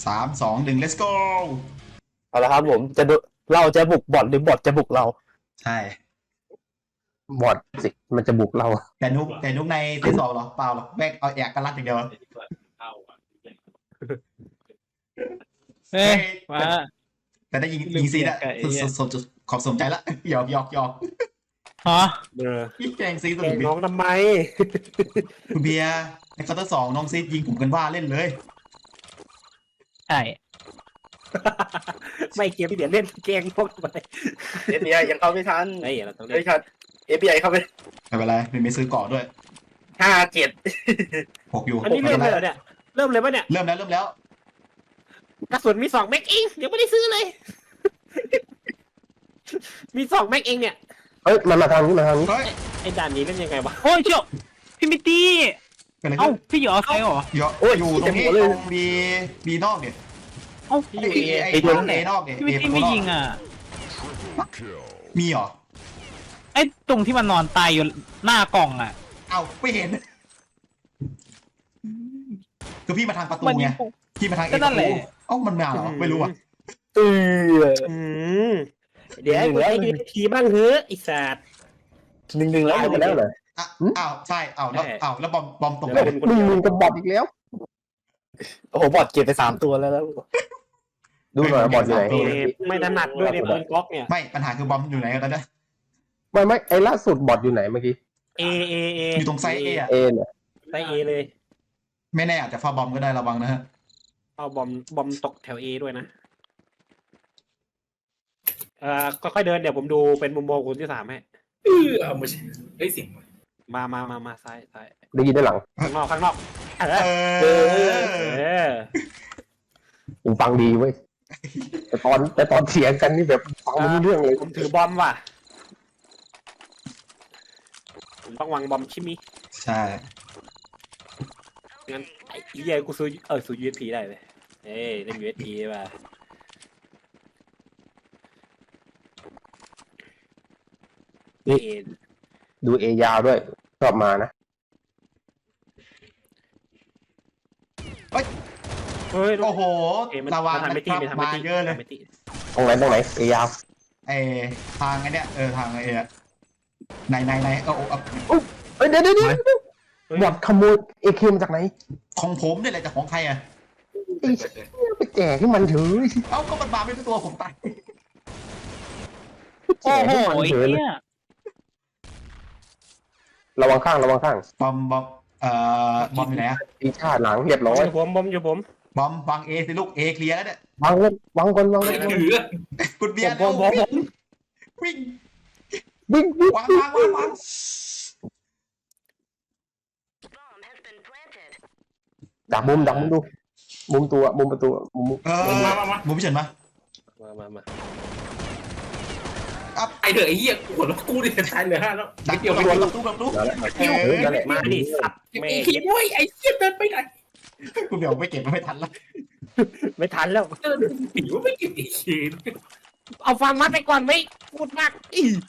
3 2 1 let's go เอาละครับผมเราจะบุกบอทหรือบอทจะบุกเราใช่บอทสิมันจะบุกเราแต่นุกในที่2เหรอเปล่าหรอกแม่งเอาแอกกันลั่นอย่างเดียวเฮ้ยมาแต่ได้ยิงซีอะขอบสมใจละหยอกฮะพี่แกงซีสุดแกล้งน้องทำไมคุณเบียร์ในคอร์เตอร์2น้องซียิงผมกันว่าเล่นเลยใช่ไม่เกมที่เดี๋ยวเล่นแกล้งพวกทำไม FBI ยังเข้าไม่ทันไอ้เราต้องเล่นไม่ทัน FBI เข้าไปไม่เป็นไรไม่ซื้อเกาะด้วย 5-7 6อยู่อันนี้เริ่มเลยเหรอเนี่ยเริ่มเลยป่ะเนี่ยเริ่มแล้วกระสุนมี2 แม็กเองยังไม่ได้ซื้อเลยมี2 แม็กเองเนี่ยเฮ้ยมันมาทางนี้ไอ้ด่านนี้เล่นยังไงวะโอ้ยเจ้าพี่มิตตี้เอ้าพี่อยู่ออฟไซด์เหรออยู่ตรงนี้ตรงบีนอกเนี่ยเอ้าไอ้ตรงเอนอกเนี่ยพี่มิตตี้ไม่ยิงอ่ะมีเหรอไอ้ตรงที่มันนอนตายอยู่หน้ากล่องอ่ะเอ้าไม่เห็นคือพี่มาทางประตูไงพี่มาทางเอประตูเอ้ามันมาเหรอไม่รู้อ่ะเดี๋ยวกูให้ทีบ้างเถอะไอ้สัตว์1-1แล้วหมดแล้วเหรออ้าวใช่แล้วบอมตกไป 1-1กับบอทอีกแล้วโอ้โหบอทเก็บไป3 ตัวแล้วดูหน่อยบอทอยู่ไหนไม่ถนัดด้วยเนี่ยปืนก๊อกเนี่ยไม่ปัญหาคือบอมอยู่ไหนกันตอนนี้ไม่ไอ้ล่าสุดบอทอยู่ไหนเมื่อกี้เออยู่ตรงไซส์เอเนี่ยไซส์เอเลยไม่แน่อาจจะฟาบอมก็ได้ระวังนะฮะเอาบอมตกแถวเอด้วยนะค่อยๆเดินเดี๋ยวผมดูเป็นมุมมองคนที่3ให้เอาไม่ใช่เฮ้ยสิงมาซ้ายได้ยินด้านหลังข้างนอกผมฟังดีเว้ยแต่ตอนเถียงกันนี่แบบฟังไม่รู้เรื่องเลยผมถือบอมว่ะผมต้องวางบอมชิมิใช่งั้นไอ้เหี้ยกูซื้อ USP ได้เลยเล่น USP ป่ะดูเอยาวด้วยชอบมานะเฮ้ยโอ้โหระวังนะครับมาเยอะเลยตรงไหนเอยาวทางไอ้เนี้ยทางไอ้ไหนเดี๋ยวบอดขโมยAKมาจากไหนของผมเนี่ยแหละจากของใครอ่ะไปแจกให้มันเถอะเอ้าก็มันมาไม่รู้ตัวผมตายโอ้โหเนี่ยระวังข้างบอมอยู่ไหนอ่ะตีชาติหลังเรียบร้อยบอมอยู่ผมบอมวางเอสิลูกเอเคลียร์แล้วเนี่ยวางก่อนคุณเบียร์วิ่งวางดักมุมดูมุมประตูมุมพี่เฉินมาไอเถอะไอ้เหี้ยหัวเรากูเนี่ยตายเลยแล้วดักเกี่ยวกับตู้นั่นแหละมาดิสัตว์ไอ้ขี้บ้ยไอ้เหี้ยเดินไปไหนกูเดี๋ยวไม่เก็บไม่ทันแล้วเดินผีว่าไม่เก็บไอ้ขี้เอาฟังมัดไปก่อนไม่พูดมาก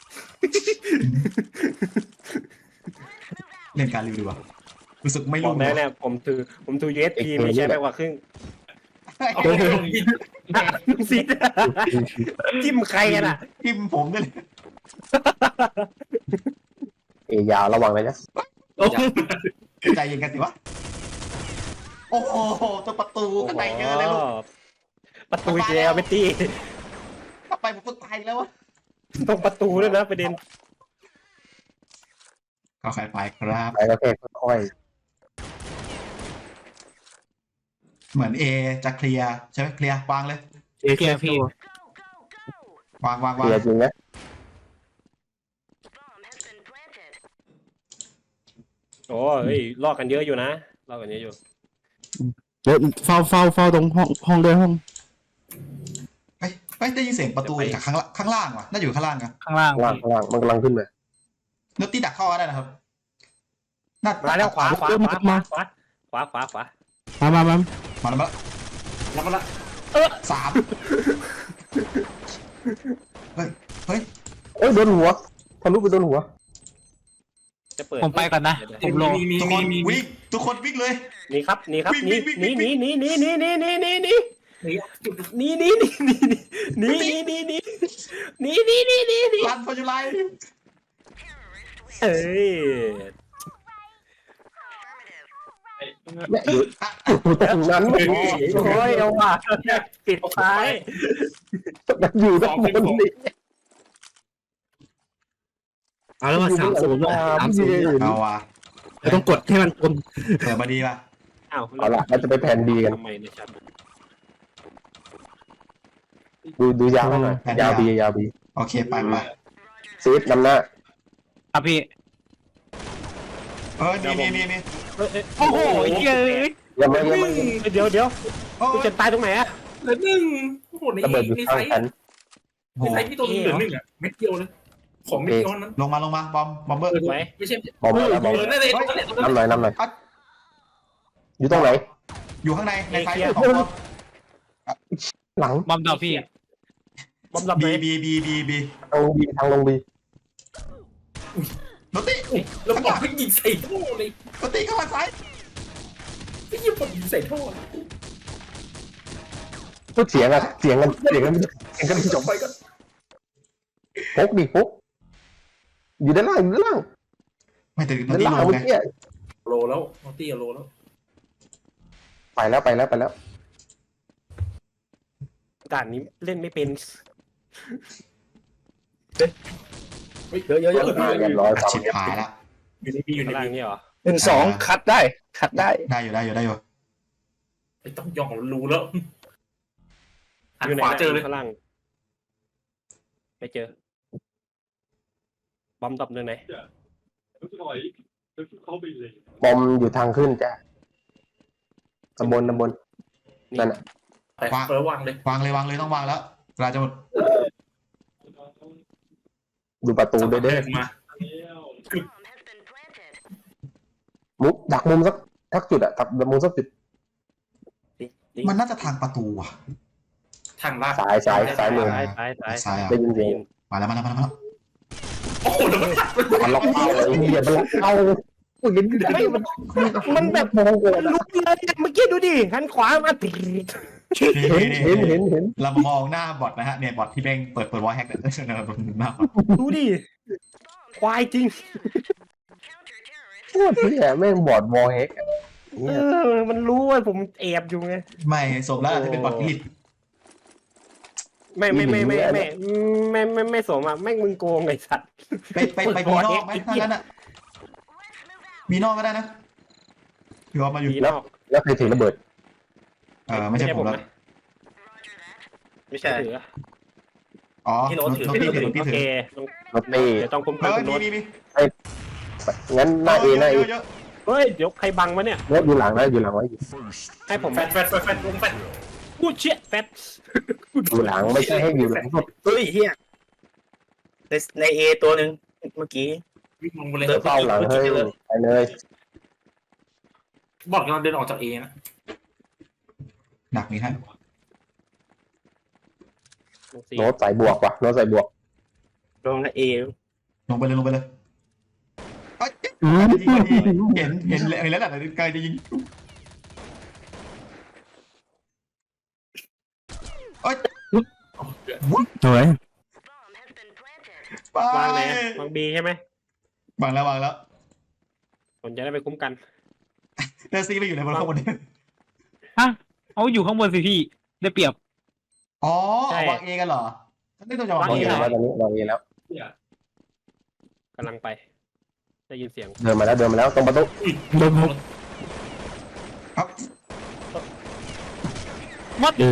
เล่นการรีวิวดีกว่ารู้สึกไม่รู้เนี่ยผมถือ USP ไม่ใช่ไปกว่าครึ่งซีดจิ้มใครกันอ่ะจิ้มผมด้วยยาวระวังเลยนะใจเย็นกันสิวะโอ้โหตัวประตูข้างในเยอะเลยลูกประตูเจลไม่ตีถ้าไปผมก็ตายแล้ววะตรงประตูด้วยนะประเด็นก็ใครไปครับไปก็แค่ค่อยเหมือนจะเคลียร์ใช่ไหมเคลียร์วางเลยเคลียร์พี่วางเคลียร์จริงนะโอ้ยลอกกันเยอะอยู่นะลอกกันเยอะอยู่เดี๋ยวเฝ้าตรงห้องด้วยห้องได้ยินเสียงประตูจากข้างล่างว่ะน่าอยู่ข้างล่างกันข้างล่างมันกำลังขึ้นเลยนุ๊ตตี้ดักเข้าได้นะครับมาแล้วขวามา3เฮ้ยโดนหัวทะลุไปโดนหัวผมไปก่อนนะผมรอทุกคนวิ่งเลยนี่ครับนี่รันฟอร์จูไลน์เอ้ยแม่อยู่ตรงนั้นโอ้ยเอาว่ะปิดท้ายมันอยู่ด้านบนนี่เอาแล้วมา30ด้วย30 เอาว่ะเราต้องกดให้มันตรงเปิดมาดีป่ะเอาละเราจะไปแผนดีกันทำไมในชัดดูยาวหน่อยยาวบีโอเคไปมาซีดนำหน้าครับพี่มีโอ้โหเย้ยยังไม่เดี๋ยวโอ้กูจะตายตรงไหนอะเหลือหนึ่งโอ้โหในระเบิดอยู่ในข้าไซงส์ฉันในไซส์พี่ตัวนึงเหลือหนึ่งอ่ะเม็ดเดียวเลยของเม็ดเดียวนั้นลงมาบอมเบอร์ไหมไม่ใช่บอมแล้วบอมนั่นเลยนั่นเลยนำหน่อยอยู่ตรงไหนอยู่ข้างในไซส์ของตัวหลังบอมดับพี่บอมดับไหนบีทางลงบีโนตี้แล้วบอกให้ยิงใส่ท่อเลยโนตี้เข้ามาซ้ายไอ้ยี่ปยิงใส่ท่อพูดเสียงกันไม่จบไปก็ปุ๊กอยู่ด้านล่างไม่แต่โนด้านตี้ล่างลงเมื่ไงอกี้โลแล้วมอตี้โลแล้วไปแล้วด่านนี้เล่นไม่เป็นเยอะเรียบร้อยชิบหายละอยู่ในบีอยู่ในข้างล่างบีนี่เหรอ 1-2คัดได้ได้อยู่ไอ้ต้องย่องรู้แล้วหันอยู่ไหนขวาเจอเลยข้างล่างไม่เจอ บอมดับเรื่องไหนบอมอยู่ทางขึ้นจ้ะตำบลนั่นน่ะไปเฟิร์สวางเลยวางเลยต้องวางแล้วเวลาจะหมดดูประตูด้วยเด้อมามุกดักมุมสักจุดอะดักมุมสักจุดมันน่าจะทางประตูอ่ะทางลาดซ้ายมือซ้ายซ้ายอ่ะได้ยินเสียงมาแล้วโอ้โหแล้วมันตัดมันมันล็อกเป้าเลยเฮียมันล็อกเป้ามันแบบมองโกรธลุกเลยเมื่อกี้ดูดิหันขวามาเห็นเรามองหน้าบอทนะฮะเนี่ยบอทที่แม่งเปิดวอลแฮกเนี่ยหน้าดูดิควายจริงโคตรเฮียแม่งบอดวอลเฮกมันรู้ว่าผมแอบอยู่ไงไม่สมแล้วจะเป็นบอทลิดไม่สมอ่ะแม่งมึงโกงไอ้สัตว์ไปมีนอกไหมถ้างั้นอ่ะมีนอกก็ได้นะพี่ว่ามาอยู่ดีนอกแล้วใครถือระเบิดไม่ใช่ผมแล้วไม่ใช่ถืออ๋อโนตี้ถือโอเครถตี้เดี๋ยวต้องคุ้มกันคุณโน้ตมีงั้นหน้าเอเยอะเฮ้ยเดี๋ยวใครบังวะเนี่ยรถอยู่หลังไว้ให้ผมแฟดลงแฟดพูดเชี่ยแฟตอยู่หลังไม่ใช่ให้อยู่หลังสุดเฮ้ยเฮียในเอตัวหนึ่งเมื่อกี้วิ่งลงไปเลยเป้าหลังเฮ้ยไปเลยบอดกำลังเดินออกจากเอนะหนักนี่ฮะโน้ตใส่บวกว่ะโน้ตใส่บวกลงในเอลงไปเลยเห็นแล้วแหละไกลจะยิงสวยวางไหนวางบีใช่ไหมวางแล้วผมจะได้ไปคุ้มกันแต่ซีไปอยู่ในบนข้างบนนี้เอาอยู่ข้างบนสิพี่ได้เปรียบอ๋อวางเอกันเหรอฉันไม่ต้องจะวางวางเอเอแล้วตอนนี้วางเอแล้วกำลังไปได้ยินเสียงเดินมาแล้วตรงประตูลมครับมัด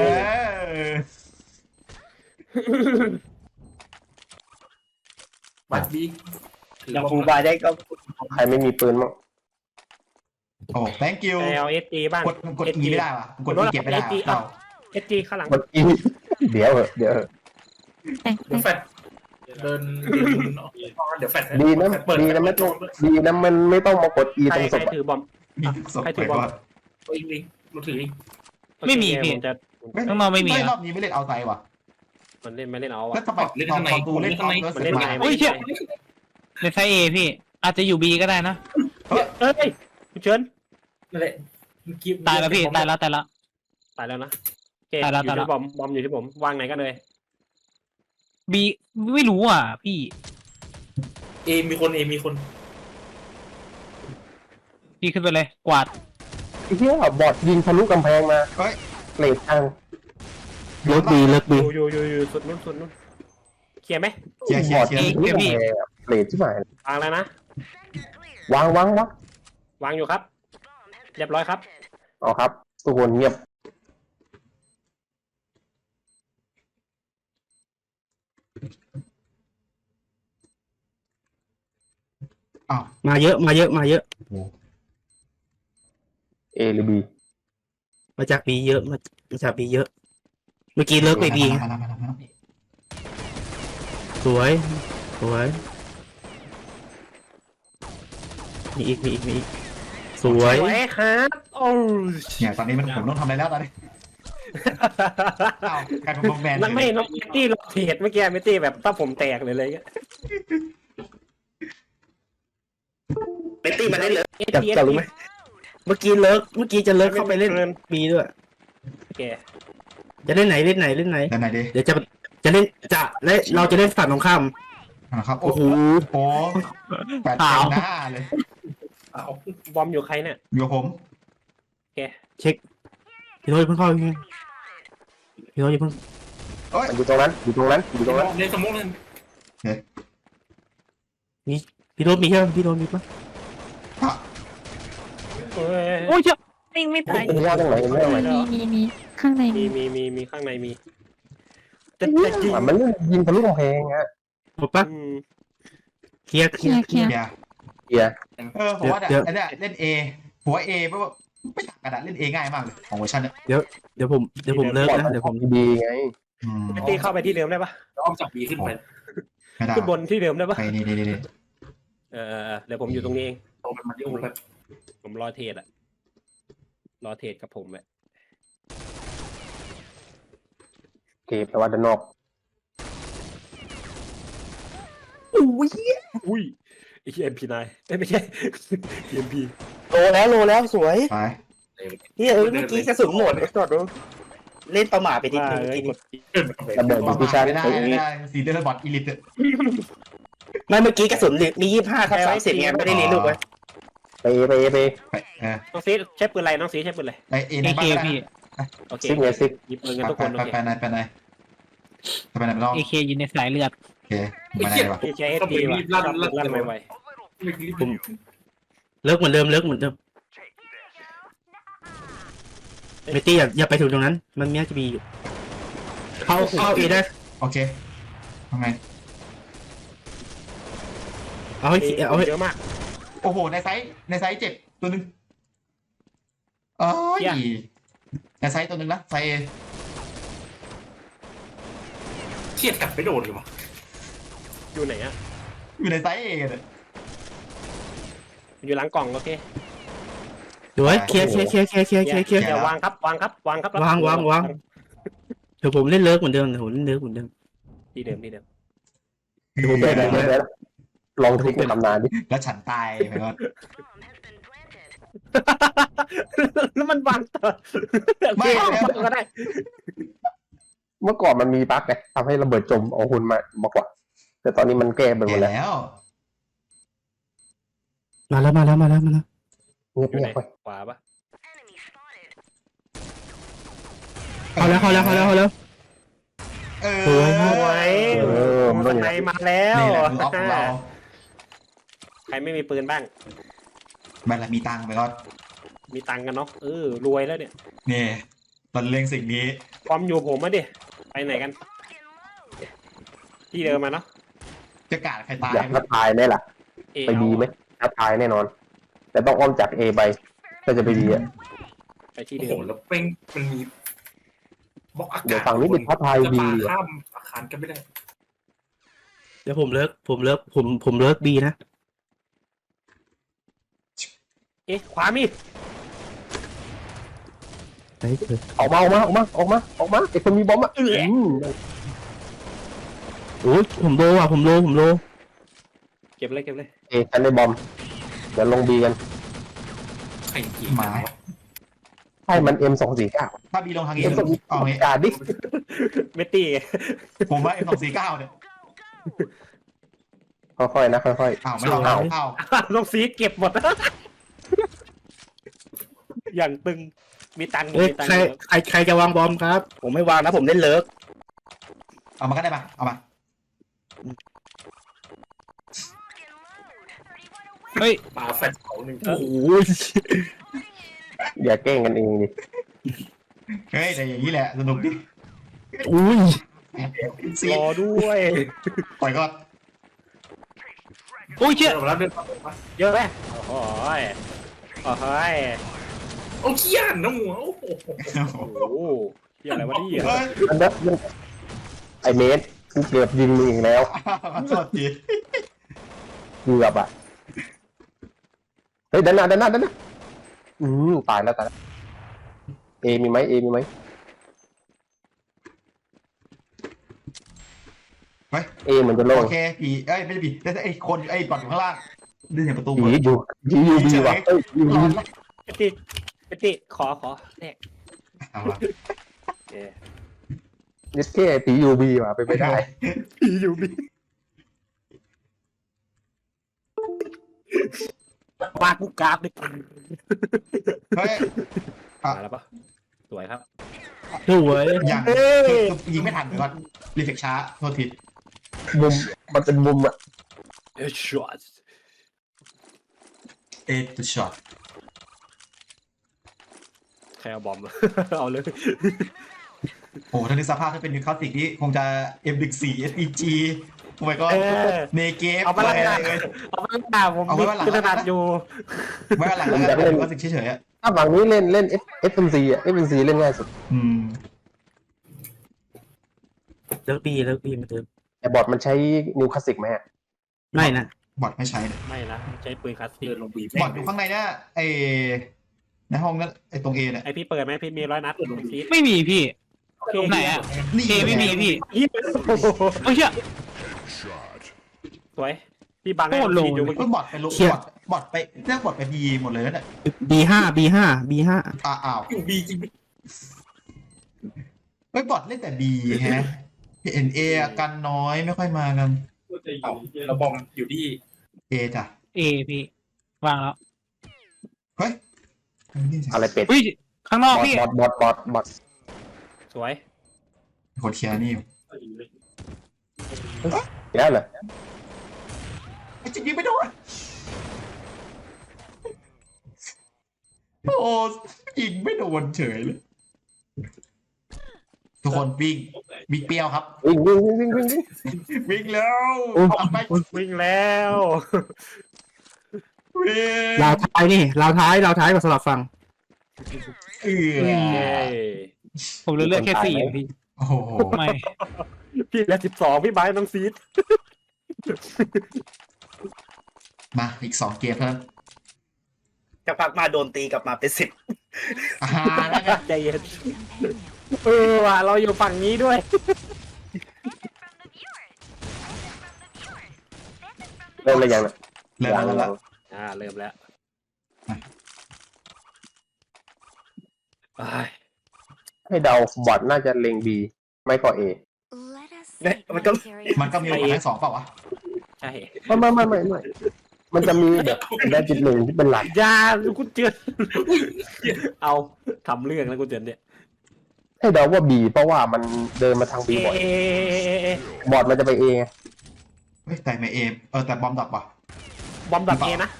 บัดบียังฟูบายได้ก็ใครไม่มีปืนมั้งโอ้ thank you เอาเอสจีบ้างกดอีไม่ได้ว่ะกดอีเก็บไม่ได้เต่าเอสจีข้างหลังกดอีเดี๋ยวเหอะเดี๋ยวแฟดเดินเดี๋ยวแฟดดีนะมันไม่ต้องมากดอีใครตรงศพถือบอมมีศพไปก่อนอีกเราถือไม่มีพี่จะข้างนอกไม่มีรอบนี้ไม่เล่นเอาไซว่ะมันเล่นไม่เล่นเอาก็อ่ะทำไมตอนประตูเล่นเอาเล่นไงโอ้ยเชี่ยในไซเอพี่ อาจจะอยู่บีก็ได้นะเอ้ยคุณเชิญนั่นแหละตายแล้วพี่ ตายแล้วตายแล้วนะเจ็ดอยู่ที่บอมอยู่ที่ผมวางไหนกันเลยบีไม่รู้อ่ะพี่เอมีคนเอมีคนพี่ขึ้นไปเลยกวาดไอ้เหี้ยบอดยิงทะลุกำแพงมาเฮ้ยเลดทางเลิกบีเลิกอบียู่สุดนู้นเคลียร์ไหมเคลียร์บอดยิงทะลุกำแพงอะเลดที่ไหนวางแล้วนะวางวางอยู่ครับ เรียบร้อยครับเอาครับทุกคนเงียบอ้าวมาเยอะมาเยอะมาเยอะเอหรือบีมาจากบีเยอะมาจากบีเยอะ เมื่อกี้เลิกไปบีมาแล้วสวยสวยมีอีกสวยสวยครับโอ้เนี่ยตอนนี้ผมต้องทำอะไรแล้วตอนนี้อ้าวกลายเป็นบอมแบนแล้วไม่น้องมิตตี้เราเทรดเมื่อกี้มิตตี้แบบถ้าผมแตกเลยเลยเบตตี้มาได้เลยจับรู้ไหมเมื่อกี้จะเลิกเข้าไปเล่นบีด้วยโอเคจะเล่นไหนด้านไหนดีเดี๋ยวจะเล่นเราจะเล่นฝั่งตรงข้ามนะครับโอ้โหโอ้แปดเต็มหน้าเลยเอาบอมอยู่ใครเนี่ยอยู่กับผมเช็คพี่โน้ตเพิ่งเข้าพี่โน้ตอย่าเพิ่งมันอยู่ตรงนั้นอยู่ตรงนั้นในสมองนั้นพี่โน้ตมีใช่ไหมพี่โน้ตมีปะโอ้ยเจ้าไม่ตายเห็นว่าตรงไหนเห็นว่าตรงไหนมีข้างในมีข้างในมีแต่จริงมันเล่นยิงทะลุกำแพงอะหมดปะเคลียร์อย่าเฮียผมว่าอันเนี้ยเล่นเอหัวเอเพราะว่าไม่ต่างกันเล่นเอง่ายมากเลยของเวอร์ชันเนี้ยเดี๋ยวผมเลิกนะเดี๋ยวผมดีไงมิตตี้เข้าไปที่เดิมได้ปะอ้อมจากบีขึ้นไปไม่ได้ขึ้นบนที่เดิมได้ปะไปนี่เดี๋ยวผมอยู่ตรงนี้เองโตเป็นมาริโอแบบผมรอเทรดกับผมแบบเก็บแต่ว่าด้านนอกอุ้ยไอ้เอ็มพีนายไม่ใช่เอ็มพีโลแล้วสวยไปเนี่ยเมื่อกี้กระสุนหมดไอ้จอดดูเล่นประมาทไปทีนึงระเบิดดิชั่นไม่ได้สีเดอร์บอทอีลิทไม่เมื่อกี้กระสุนมี25/30ไงไม่ได้รีลูกไว้ไปน้องซีใช้ปืนอะไรน้องซีใช้ปืนอะไรไปเอเอในเคบ้านพี่โอเคซิกไงซิกหยิบปืนกันทุกคนโอเคไปไหนไปรอบเอเคอยู่ในสายเลือดโอเคไปไหนวะใช้เอสดีว่ะลั่นไวเลิกเหมือนเดิมเมตี้อย่าไปถึงตรงนั้น มันมีจะมีอยู่เข้าเอได้โอเคทำไงเอาให้เยอะมากโอ้โหในไซส์เจ็บตัวนึงเอ้ยในไซส์ตัวนึงนะไซส์เครียดกลับไปโดนเลยวะอยู่ไหนอะอยู่ในไซส์เอเลยอยู่หลังกล่องโอเคเดี๋ยวเคลียร์อย่าวางครับวางเดี๋ยวผมเล่นเลิกเหมือนเดิมที่เดิมดูแบบลองทิกเป็นตำนานดิแล้วฉันตายไปก่อนแล้วมันวางต่อไม่ก็ได้เมื่อก่อนมันมีบั๊กไงทำให้ระเบิดจมเอาหุ่นมากกว่า แต่ตอนนี้มันแก้ไปหมดแล้วแล้วมาแล้วเงียบอยู่ไหนไปขวาปะเข้าแล้วสวยสวยข้างในมาแล้วนี่แหละคือออฟของเราใครไม่มีปืนบ้างแม่ละมีตังค์ไปก่อนมีตังกันเนาะรวยแล้วเนี่ยนี่ตอนเล็งสิ่งนี้ความอยู่ผมมาดิไปไหนกัน ที่เดิมมาเนาะจะกาดใครตายอยากท้าทายไหมล่ะ ไปดีไหมท้าทายแน่นอน แต่ต้องอ้อมจากเอไปก็จะไปดีอ่ะไปที่โอ้เดิโหมแล้วเป้งมันมีบล็อกอากาศเดี๋ยวฝั่งนี้เป็นท้าทายจะดีปาอ่ะข้ามอาคารกันไม่ได้เดี๋ยวผมเลิกบีนะขวามีดไปเถอะออกมาไอ้คนมีบอมอ่ะโอ้ยผมโลเก็บเลยเอฉันได้บอมเดี๋ยวลงบีกันใครยิงหมาให้มัน M249 ถ้าบีลงทางนี้เอางี้กาดิเมตตี้ผมว่า M249 เนี่ยค่อยๆนะค่อยอ้าวไม่ลองเอาอ้าวน้องซีเก็บหมด อย่างตึงมีตังค์เอ้ยมีตังใครค์ใครจะวางบอมครับผมไม่วางนะผมเล่นเลิกเอามาก็ได้มาเอามาเฮ้ยปาแฟนเขาหนึ่งโอ้โหๆอย่าแกล้งกันเองดิเฮ้ยแต่อย่างนี้แหละสนุกดิอุ้ยซีรอด้วยปล่อยก่อนโอ้ยเชี่ยเดินมาแล้วเดินมาเยอะไหมโอ้โหโอ้โหโอ้เขี้ยนน้องหัวโอ้โหโอ้โหเหี้ยอะไรวะเนี่ยเฮ้ยมันไอเมสกูเกือบยิงมึงอีกแล้วโทษทีเกือบอ่ะเฮ้ยดันหน้าตายแล้วเอมีไหมเฮ้ยเอเหมือนจะโล่งโอเคผีเอ้ยไม่ใช่ผีแต่ไอ้คนไอ้บอดอยู่ข้างล่างดึงเห็นประตูผีอยู่บีว่ะเอ้ยยูรอบีดละเมตตี้ขอเนี่ยเอาละนิสเก้ผียูบีว่ะไปนไม่ได้ผีอยู่บีวาดกูกราฟดิเฮ้ยมาแล้วปะสวยครับสวยอย่างคือยิงไม่ทันเลยว่ารีเฟกช้าโทษทีมุมมันเป็นมุมอ่ะเอชช็อตเอตุช็อตใครเอาบอม เอาเลยโอ้ถ้าในสภาพถ้าเป็นนิวคาสติกนี่คงจะ M14 SPG โอ้ my god เนเกฟเอามาละอะไรกันเลยเอามาละผมเอาไว้วันหลังมีขนาดอยู่ไว้วันหลังแล้วกันนิวคาสติกเฉยๆอ่ะถ้าฝั่งนี้เล่น FNC อ่ะ FNC เล่นง่ายสุดอืมเลิกบีมาเติมแต่บอร์ดมันใช้นิวคลาสสิกไหมอะไม่นะบอดไม่ใช้เลยไม่นะใช้ปืนคลาสสิกเดินลงบีบบอดอยู่ข้างในเนี่ยไอในห้องนั้นไอตรงเอเนี่ยไอพี่เปิดไหมพี่มี100 นัดซีดไม่มีพี่ ไหนอะนี่เอไม่มีพี่โอ้โหโอ้ยเชี่ยสวยพี่บังให้โคตรโลซีดอยู่เมื่อเฮ้กี้ยบอดไปลุกบอดไปเรียกบอดไปบีหมดเลยนะเนี่ย B5 อ้าวอยู่บีจริงเฮ้ยบอดเล่นแต่บีฮะเห็นเอกันน้อยไม่ค่อยมากันเอาเราบอมอยู่ที่เอจ้ะเอพี่วางแล้วเฮ้ยอะไรเป็ดอุ้ยข้างนอกพี่บอทสวยคนเคลียร์นี่อยู่แล้วเหรอไอ้จิยิงไม่โดนโอ้ยิงไม่โดนเฉยเลยทุกคนวิ่งเปรี้ยวครับวิ่งวิ่งแล้วทำไปวิ่งแล้ววิ่งราวท้ายกับสลับฟังเออเย้ผมเหลือแค่4เองพี่โอ้โหไม่พี่แล้ว12พี่ไบร์ทน้องซีดมาอีก2 เกมเพิ่มจะพักมาโดนตีกลับมาเป็น10 แล้วกันใจเย็นว่ะเราอยู่ฝั่งนี้ด้วยเริ่มเลยยังน่ะเริ่มแล้วเริ่มแล้วไปให้เดาบอทน่าจะเล็งบีไม่ก็เอเนี่ยมันก็มันก็มีโอกาสทั้ง2เปล่าวะใช่ไม่มันจะมีแบบได้จุดหนึ่งที่เป็นหลักยากูเจือนเอาทำเรื่องแล้วกูเจือนเนี่ยให้เดาว่าบีเพราะว่ามันเดินมาทางบีบ่อยบอทมันจะไปเอเฮ้ยแต่ไม่เอแต่บอมดับว่ะบอมดับเอนะ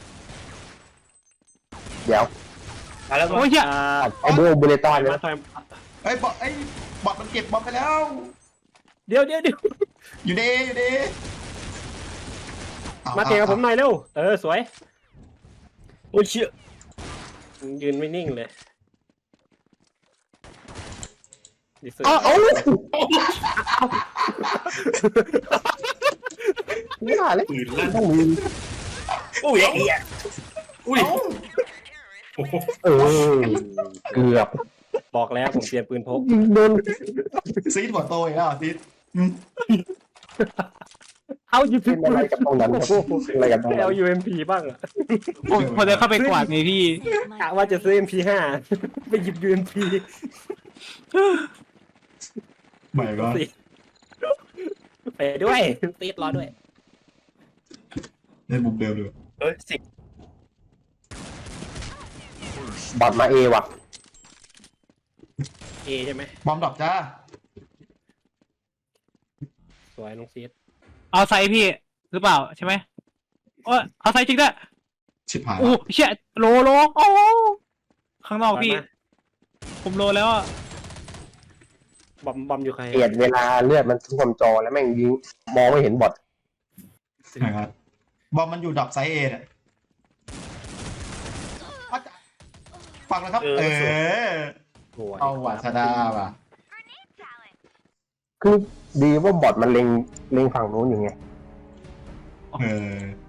เดี๋ยวมาแล้วโอ้ยเชี่ยไอโบเบเลต้าเนี่ยมาต่อยเฮ้ยบอดมันเก็บบอมไปแล้วเดี๋ยวอยู่ดีมาเตะกับผมหน่อยเร็วสวยโอ้ยเชี่ยยืนไม่นิ่งเลยดิเซอร์เอาไม่ได้เลยปืนลั่นต้องมีอุ้ยไอ้เหี้ยอุ้ยโอ้โหเกือบบอกแล้วผมเตรียมปืนพกโดนซีดหัวโตอีกแล้วซีดเอาอยู่เป็นอะไรกับตรงนั้นอะไรกับตรงไม่นั้นเอา UMP บ้างอะผมจะเข้าไปกวาดไงพี่กะว่าจะซื้อ MP5 ไปหยิบ UMP ไม่ก็ไปด้วยตีดรอด้วยในมุมเดิมเลยสิบบอดมาเอว่ะ A ใช่ไหมบอมดรอปจ้าสวยน้องซีดเอาไซส์พี่หรือเปล่าใช่ไหมโอ้ยเอาไซส์จริงด้วยชิบหายโอ้ละเชี่ยโลโอ้ข้างนอกพี่ ผมโลแล้วอ่ะบอมอยู่ใครเกลียดเวลาเลือดมันท่วมจอแล้วแม่งยิงมองไม่เห็นบอดนะครับบอมมันอยู่ดรอปไซส์เอน่ะฟังนะครับสวยเอาว่ะชนะว่ะคือดีว่าบอดมันเล็งฝั่งนู้นอยู่ไงเออ